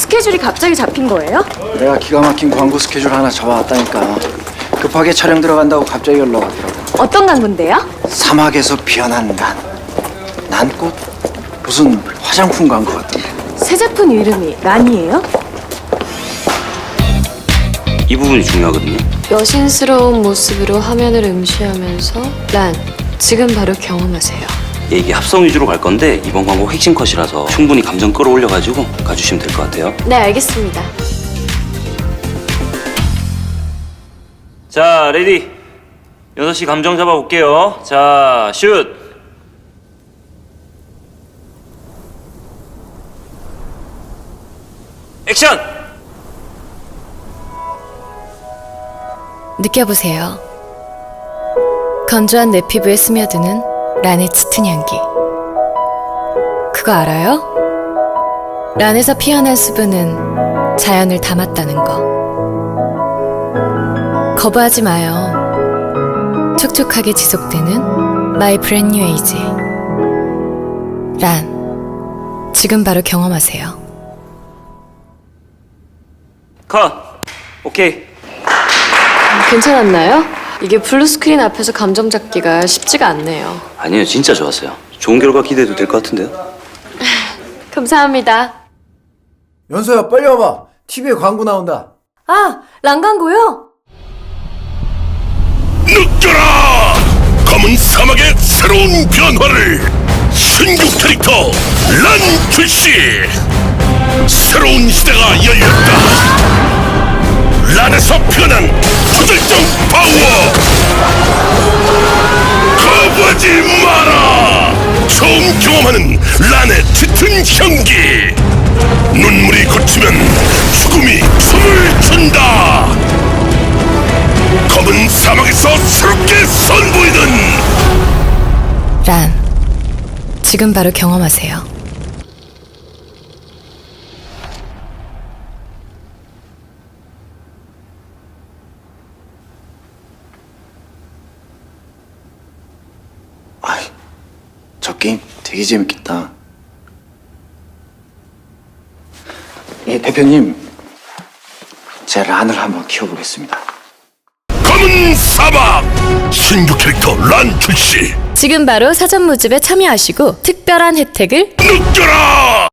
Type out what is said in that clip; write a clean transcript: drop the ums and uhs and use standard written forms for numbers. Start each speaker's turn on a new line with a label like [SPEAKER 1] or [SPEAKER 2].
[SPEAKER 1] 스케줄이 갑자기 잡힌 거예요?
[SPEAKER 2] 내가 기가 막힌 광고 스케줄 하나 잡아왔다니까. 급하게 촬영 들어간다고 갑자기 연락 왔더라고.
[SPEAKER 1] 어떤 광고인데요?
[SPEAKER 2] 사막에서 피어난 난꽃? 무슨 화장품 광고 같던데.
[SPEAKER 1] 새 제품 이름이 란이에요?
[SPEAKER 3] 이 부분이 중요하거든요.
[SPEAKER 4] 여신스러운 모습으로 화면을 음시하면서 란, 지금 바로 경험하세요.
[SPEAKER 3] 예, 이게 합성 위주로 갈 건데 이번 광고 핵심 컷이라서 충분히 감정 끌어올려가지고 가주시면 될 것 같아요.
[SPEAKER 4] 네, 알겠습니다.
[SPEAKER 3] 자, 레디. 6시 감정 잡아볼게요. 자, 슛! 액션!
[SPEAKER 4] 느껴보세요. 건조한 내 피부에 스며드는 란의 짙은 향기. 그거 알아요? 란에서 피어난 수분은 자연을 담았다는 거. 거부하지 마요. 촉촉하게 지속되는 My Brand New Age. 란, 지금 바로 경험하세요.
[SPEAKER 3] 컷! 오케이.
[SPEAKER 4] 괜찮았나요? 이게 블루스크린 앞에서 감정 잡기가 쉽지가 않네요.
[SPEAKER 3] 아니에요, 진짜 좋았어요. 좋은 결과 기대해도 될 것 같은데요?
[SPEAKER 4] 감사합니다.
[SPEAKER 2] 연서야, 빨리 와봐. TV에 광고 나온다.
[SPEAKER 1] 아, 란 광고요?
[SPEAKER 5] 느껴라! 검은 사막의 새로운 변화를! 신규 캐릭터 란 출시! 새로운 시대가 열렸다! 란에서 피어난 초절정 파워! 거부하지 마라! 처음 경험하는 란의 짙은 향기! 눈물이 그치면 죽음이 춤을 춘다! 검은 사막에서 새롭게 선보이는
[SPEAKER 4] 란, 지금 바로 경험하세요.
[SPEAKER 2] 아이, 저 게임 되게 재밌겠다. 예, 대표님. 제 란을 한번 키워보겠습니다.
[SPEAKER 5] 검은 사막 신규 캐릭터 란 출시
[SPEAKER 4] 지금 바로 사전 모집에 참여하시고 특별한 혜택을
[SPEAKER 5] 느껴라!